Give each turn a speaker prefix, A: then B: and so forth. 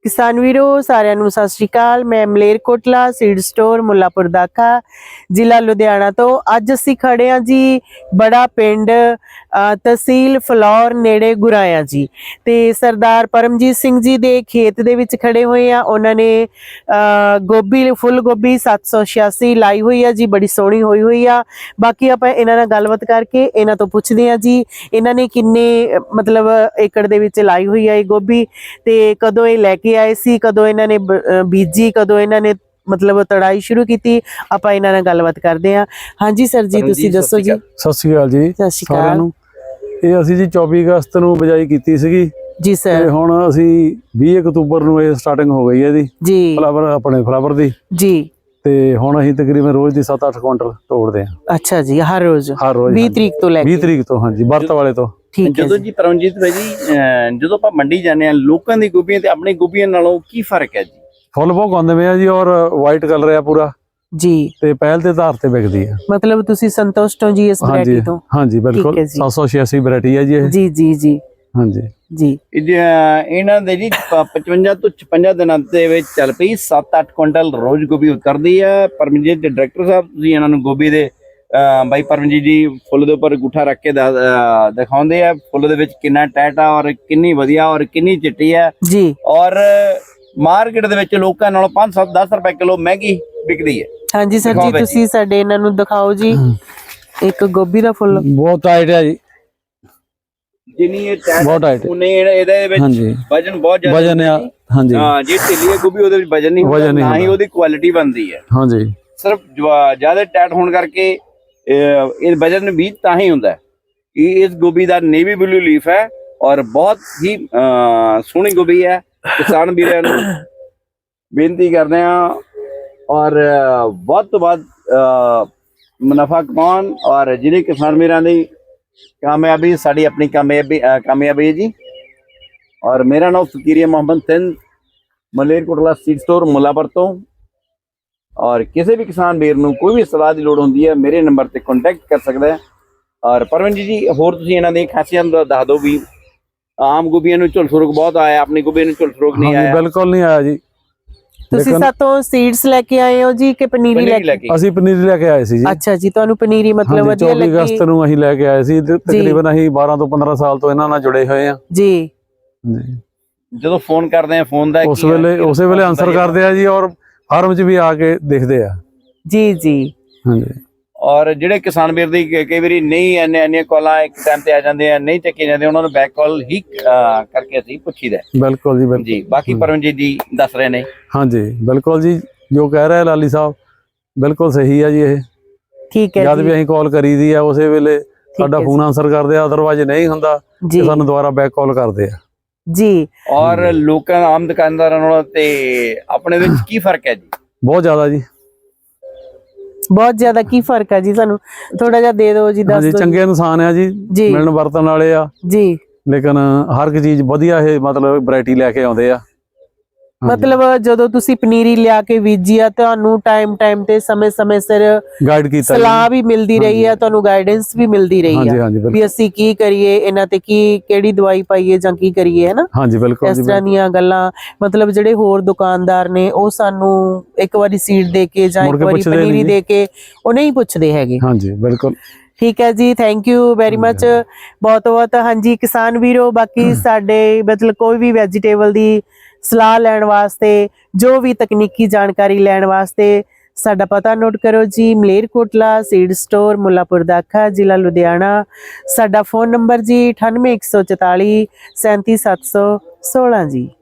A: किसान वीरो सारिਆਂ ਨੂੰ ਸਤਿ ਸ਼੍ਰੀ ਅਕਾਲ। मैं ਮਲੇਰਕੋਟਲਾ सीड स्टोर मुल्लापुर दाखा ਜ਼ਿਲ੍ਹਾ ਲੁਧਿਆਣਾ ਤੋਂ। ਅੱਜ ਅਸੀਂ ਖੜੇ ਹਾਂ ਜੀ ਬੜਾ ਪਿੰਡ ਤਹਿਸੀਲ ਫਲੌਰ ਨੇੜੇ ਗੁਰਾਇਆ ਜੀ, ਤੇ ਸਰਦਾਰ ਪਰਮਜੀਤ ਸਿੰਘ ਜੀ ਦੇ ਖੇਤ ਦੇ ਵਿੱਚ ਖੜੇ ਹੋਏ ਆ। ਉਹਨਾਂ ਨੇ ਗੋਭੀ ਫੁੱਲ ਗੋਭੀ 786 ਲਾਈ ਹੋਈ ਆ ਜੀ, ਬੜੀ ਸੋਹਣੀ ਹੋਈ ਹੋਈ ਆ। ਬਾਕੀ ਆਪਾਂ ਇਹਨਾਂ ਨਾਲ ਗੱਲਬਾਤ ਕਰਕੇ ਇਹਨਾਂ ਤੋਂ ਪੁੱਛਦੇ ਆ ਜੀ ਇਹਨਾਂ ਨੇ ਕਿੰਨੇ ਮਤਲਬ ਏਕੜ ਦੇ ਵਿੱਚ ਲਾਈ ਹੋਈ ਆ ਇਹ ਗੋਭੀ, ਤੇ ਕਦੋਂ ਇਹ ਲੈ ਕੇ ਆਏ ਸੀ, ਕਦੋਂ ਇਹਨਾਂ ਨੇ ਬੀਜੀ, ਕਦੋਂ ਇਹਨਾਂ ਨੇ मतलब तड़ाई शुरू की। आप इन्हां नाल गलबात करदे हां। हाँ जी सर जी, तुसीं दसो जी।
B: सत श्री अकाल जी।
A: सत श्री अकाल।
B: ਇਹ ਅਸੀਂ ਜੀ 24 ਅਗਸਤ ਨੂੰ ਬਿਜਾਈ ਕੀਤੀ ਸੀਗੀ
A: जी सर।
B: ਤੇ ਹੁਣ ਅਸੀਂ 20 ਅਕਤੂਬਰ ਨੂੰ ਇਹ ਸਟਾਰਟਿੰਗ ਹੋ ਗਈ ਹੈ ਇਹਦੀ
A: जी
B: ਫਲਾਵਰ ਆਪਣੇ ਫਲਾਵਰ ਦੀ
A: जी।
B: ਤੇ ਹੁਣ ਅਸੀਂ ਤਕਰੀਬਨ ਰੋਜ਼ ਦੀ 7-8 ਕੁਇੰਟਲ ਤੋੜਦੇ ਹਾਂ।
A: अच्छा जी, हर रोज 20
B: ਹਾਂਜੀ।
A: तरीक तो लेके
B: 20 ਤਰੀਕ ਤੋਂ ਹਾਂਜੀ, ਵਰਤ ਵਾਲੇ ਤੋਂ।
A: ठीक है
C: ਜਦੋਂ ਜੀ ਪਰਮਜੀਤ ਭਾਈ ਜੀ ਜਦੋਂ ਆਪਾਂ ਮੰਡੀ ਜਾਂਦੇ ਆ ਲੋਕਾਂ ਦੀ ਗੋਭੀਆਂ ਤੇ ਆਪਣੀ ਗੋਭੀਆਂ ਨਾਲੋਂ ਕੀ ਫਰਕ ਹੈ ਜੀ?
B: ਫੁੱਲ ਬਹੁਤ ਆਉਂਦੇ ਪਏ ਆ ਜੀ, ਔਰ ਵਾਈਟ ਕਲਰ ਆ ਪੂਰਾ
A: जी।
B: ਤੇ ਪਹਿਲ ਤੇ ਆਧਾਰ ਤੇ ਵਿਕਦੀ ਆ।
A: मतलब तुसी संतुष्ट हो जी इस वैरायटी तो?
B: ਹਾਂਜੀ ਬਿਲਕੁਲ।
A: ठीक है जी।
B: 786 ਵੈਰਾਈਟੀ ਹੈ ਜੀ ਇਹ।
A: जी जी जी
B: ਹਾਂਜੀ
A: जी।
C: ਇਹਨਾਂ ਦੇ ਜੀ 55 ਤੋਂ 56 ਦਿਨਾਂ ਦੇ ਵਿੱਚ ਚੱਲ ਪਈ 7-8 ਕੁਇੰਟਲ ਰੋਜ਼ ਗੋਭੀ ਉਤਰਦੀ ਹੈ। ਪਰਮਜੀਤ ਦੇ ਡਾਇਰੈਕਟਰ ਸਾਹਿਬ ਤੁਸੀਂ ਇਹਨਾਂ ਨੂੰ ਗੋਭੀ ਦੇ ਬਾਈ ਪਰਮਜੀਤ ਜੀ ਫੁੱਲ ਦੇ ਉੱਪਰ ਅੰਗੂਠਾ ਰੱਖ ਕੇ ਦਿਖਾਉਂਦੇ ਆ ਫੁੱਲ ਦੇ ਵਿੱਚ ਕਿੰਨਾ ਟੈਟ ਆ ਔਰ ਕਿੰਨੀ ਵਧੀਆ ਔਰ ਕਿੰਨੀ ਚਿੱਟੀ ਹੈ
A: जी।
C: ਔਰ ਮਾਰਕੀਟ ਦੇ ਵਿੱਚ ਲੋਕਾਂ ਨਾਲੋਂ 5-7-10 ਰੁਪਏ ਕਿਲੋ ਮਹਿੰਗੀ ਵਿਕਦੀ ਹੈ।
A: हाँ जी सर जी, तुसी साडे इन्हां नूं दिखाओ जी एक गोभी दा फुੱਲ।
B: ਬਹੁਤ ਟਾਈਟ ਹੈ ਜੀ,
C: ਜਿੰਨੀ ਇਹ ਟੈਟ
B: ਬਹੁਤ ਟਾਈਟ।
C: ਉਹਨੇ ਇਹਦੇ ਵਿੱਚ
B: ਹਾਂਜੀ
C: ਵਜਨ ਬਹੁਤ ਜ਼ਿਆਦਾ
B: ਵਜਨ ਆ। ਹਾਂਜੀ
C: ਹਾਂ ਜੀ, ਢਿੱਲੀ ਹੈ ਗੋਭੀ ਉਹਦੇ ਵਿੱਚ ਵਜਨ ਨਹੀਂ ਹੁੰਦਾ, ਨਾ ਹੀ ਉਹਦੀ ਕੁਆਲਿਟੀ ਬਣਦੀ ਹੈ।
B: ਹਾਂਜੀ।
C: ਸਿਰਫ ਜ਼ਿਆਦਾ ਟੈਟ ਹੋਣ ਕਰਕੇ ਇਹ ਵਜਨ ਵੀ ਤਾਂ ਹੀ ਹੁੰਦਾ ਹੈ। ਇਹ ਇਸ ਗੋਭੀ ਦਾ ਨੇਵੀ ਬਲੂ ਲੀਫ ਹੈ ਔਰ ਬਹੁਤ ਹੀ ਸੋਹਣੀ ਗੋਭੀ ਹੈ। ਕਿਸਾਨ ਵੀਰਾਂ ਨੂੰ ਬੇਨਤੀ ਕਰਦੇ ਹਾਂ ਔਰ ਵੱਧ ਤੋਂ ਵੱਧ ਮੁਨਾਫਾ ਕਮਾਉਣ ਔਰ ਜਿਹੜੇ ਕਿਸਾਨ ਵੀਰਾਂ ਦੀ ਕਾਮਯਾਬੀ ਸਾਡੀ ਆਪਣੀ ਕਾਮਯਾਬੀ ਹੈ ਜੀ। ਔਰ ਮੇਰਾ ਨਾਮ ਫਕੀਰੀਆ ਮੁਹੰਮਦ ਸਿੰਘ, ਮਲੇਰਕੋਟਲਾ ਸੀਡ ਸਟੋਰ ਮੁੱਲਾਪੁਰ ਤੋਂ। ਔਰ ਕਿਸੇ ਵੀ ਕਿਸਾਨ ਵੀਰ ਨੂੰ ਕੋਈ ਵੀ ਸਲਾਹ ਦੀ ਲੋੜ ਹੁੰਦੀ ਹੈ ਮੇਰੇ ਨੰਬਰ ਤੇ ਕੰਟੈਕਟ ਕਰ ਸਕਦਾ ਹੈ। ਔਰ ਪਰਮਜੀਤ ਜੀ ਹੋਰ ਤੁਸੀਂ ਇਹਨਾਂ ਦੀ ਖਾਸੀਅਤ ਦੱਸ ਦਿਓ ਵੀ ਆਮ ਗੋਭੀਆਂ ਨੂੰ ਝੁਲਸ ਰੋਗ ਬਹੁਤ ਆਇਆ, ਆਪਣੀ ਗੋਭੀ ਨੂੰ ਝੁਲਸ ਰੋਗ ਨਹੀਂ ਆਇਆ?
B: ਬਿਲਕੁਲ ਨਹੀਂ ਆਇਆ ਜੀ।
A: ਤੁਸੀਂ ਸਾਤੋਂ ਸੀਡਸ ਲੈ ਕੇ ਆਏ ਹੋ ਜੀ ਕਿ ਪਨੀਰੀ ਲੈ ਕੇ?
B: ਅਸੀਂ ਪਨੀਰੀ ਲੈ ਕੇ ਆਏ ਸੀ ਜੀ।
A: ਅੱਛਾ ਜੀ, ਤੁਹਾਨੂੰ ਪਨੀਰੀ ਮਤਲਬ ਵਧੀਆ ਲੱਗੀ?
B: 24 ਅਗਸਤ ਨੂੰ ਅਸੀਂ ਲੈ ਕੇ ਆਏ ਸੀ। ਤਕਰੀਬਨ ਅਸੀਂ 12 ਤੋਂ 15 ਸਾਲ ਤੋਂ ਇਹਨਾਂ ਨਾਲ ਜੁੜੇ ਹੋਏ ਆ
A: ਜੀ।
C: ਜਦੋਂ ਫੋਨ ਕਰਦੇ ਆ ਫੋਨ ਦਾ
B: ਉਸੇ ਵੇਲੇ ਆਨਸਰ ਕਰਦੇ ਆ ਜੀ, ਔਰ ਫਾਰਮ 'ਚ ਵੀ ਆ ਕੇ ਦੇਖਦੇ ਆ
A: ਜੀ ਜੀ।
B: ਹਾਂਜੀ।
C: ਔਰ ਜਿਹੜੇ ਕਿਸਾਨ ਵੀਰ ਦੀ ਕਈ ਵਾਰੀ ਨਹੀਂ ਇੰਨੀਆਂ ਕਾਲਾਂ ਇੱਕ ਟਾਈਮ ਤੇ ਆ ਜਾਂਦੇ ਆ, ਨਹੀਂ ਚੱਕੇ ਜਾਂਦੇ, ਉਹਨਾਂ ਨੂੰ ਬੈਕ ਕਾਲ ਹੀ ਕਰਕੇ ਅਸੀਂ ਪੁੱਛੀਦਾ।
B: ਬਿਲਕੁਲ ਜੀ ਬਿਲਕੁਲ
C: ਜੀ। ਬਾਕੀ ਪਰਮਜੀਤ ਜੀ ਦੱਸ ਰਹੇ ਨੇ।
B: ਹਾਂਜੀ ਬਿਲਕੁਲ ਜੀ, ਜੋ ਕਹਿ ਰਿਹਾ ਲਾਲੀ ਸਾਹਿਬ ਬਿਲਕੁਲ ਸਹੀ ਆ ਜੀ। ਇਹ
A: ਠੀਕ ਹੈ
B: ਜਦ ਵੀ ਅਸੀਂ ਕਾਲ ਕਰੀਦੀ ਆ ਉਸੇ ਵੇਲੇ ਸਾਡਾ ਫੋਨ ਆਨਸਰ ਕਰਦੇ ਆ, ਅਦਰਵਾਈਜ਼ ਨਹੀਂ ਹੁੰਦਾ ਤੇ ਸਾਨੂੰ ਦੁਬਾਰਾ ਬੈਕ ਕਾਲ ਕਰਦੇ ਆ
A: ਜੀ।
C: ਔਰ ਲੋਕਾਂ ਆਮ ਦੁਕਾਨਦਾਰਾਂ ਨਾਲੋਂ ਤੇ ਆਪਣੇ ਵਿੱਚ ਕੀ ਫਰਕ ਹੈ ਜੀ?
B: ਬਹੁਤ ਜ਼ਿਆਦਾ ਜੀ,
A: ਬਹੁਤ ਜ਼ਿਆਦਾ। ਕੀ ਫਰਕ ਹੈ ਜੀ? ਸਾਨੂੰ ਥੋੜਾ ਜਿਹਾ ਦੇ ਦਿਓ ਜੀ, ਦੱਸ ਦਿਓ।
B: ਚੰਗੇ ਇਨਸਾਨ ਆ ਜੀ, ਮਿਲਣ ਵਰਤਣ ਵਾਲੇ ਆ
A: ਜੀ,
B: ਲੇਕਿਨ ਹਰ ਇੱਕ ਚੀਜ਼ ਵਧੀਆ ਇਹ ਮਤਲਬ ਵੈਰਾਈਟੀ ਲੈ ਕੇ ਆਉਂਦੇ ਆ।
A: ਮਤਲਬ ਜਦੋਂ ਤੁਸੀਂ ਪਨੀਰੀ ਲਿਆ ਕੇ ਬੀਜੀ ਆ ਤੁਹਾਨੂੰ ਟਾਈਮ ਤੇ ਸਮੇਂ ਸਿਰ
B: ਗਾਈਡ ਕੀਤਾ,
A: ਸਲਾਹ ਵੀ ਮਿਲਦੀ ਰਹੀ ਆ, ਤੁਹਾਨੂੰ ਗਾਈਡੈਂਸ ਵੀ ਮਿਲਦੀ ਰਹੀ ਆ ਵੀ ਅਸੀਂ ਕੀ ਕਰੀਏ, ਇਹਨਾਂ ਤੇ ਕਿਹੜੀ ਦਵਾਈ ਪਾਈਏ ਜਾਂ ਕੀ ਕਰੀਏ, ਹੈ ਨਾ?
B: ਹਾਂਜੀ ਬਿਲਕੁਲ।
A: ਇਸ ਤਰ੍ਹਾਂ ਦੀਆਂ ਗੱਲਾਂ ਮਤਲਬ ਜਿਹੜੇ ਹੋਰ ਦੁਕਾਨਦਾਰ ਨੇ ਉਹ ਸਾਨੂੰ ਇੱਕ ਵਾਰੀ ਸੀਡ ਦੇ ਕੇ ਜਾਂ ਇੱਕ ਵਾਰੀ ਪਨੀਰੀ ਦੇ ਕੇ ਉਹ ਨਹੀਂ ਪੁੱਛਦੇ ਹੈਗੇ।
B: ਹਾਂਜੀ ਬਿਲਕੁਲ।
A: ਠੀਕ ਹੈ ਜੀ, ਥੈਂਕ ਯੂ ਵੈਰੀ ਮਚ, ਬਹੁਤ ਬਹੁਤ। ਹਾਂਜੀ ਕਿਸਾਨ ਵੀਰੋ, ਬਾਕੀ ਸਾਡੇ ਮਤਲਬ ਕੋਈ ਵੀ ਵੈਜੀਟੇਬਲ ਦੀ ਸਲਾਹ ਲੈਣ ਵਾਸਤੇ, ਜੋ ਵੀ ਤਕਨੀਕੀ ਜਾਣਕਾਰੀ ਲੈਣ ਵਾਸਤੇ ਸਾਡਾ ਪਤਾ ਨੋਟ ਕਰੋ ਜੀ। ਮਲੇਰਕੋਟਲਾ ਸੀਡ ਸਟੋਰ ਮੁੱਲਾਪੁਰ ਦਾਖਾ ਜ਼ਿਲ੍ਹਾ ਲੁਧਿਆਣਾ। ਸਾਡਾ ਫੋਨ ਨੰਬਰ ਜੀ 98 144 37 716 ਜੀ।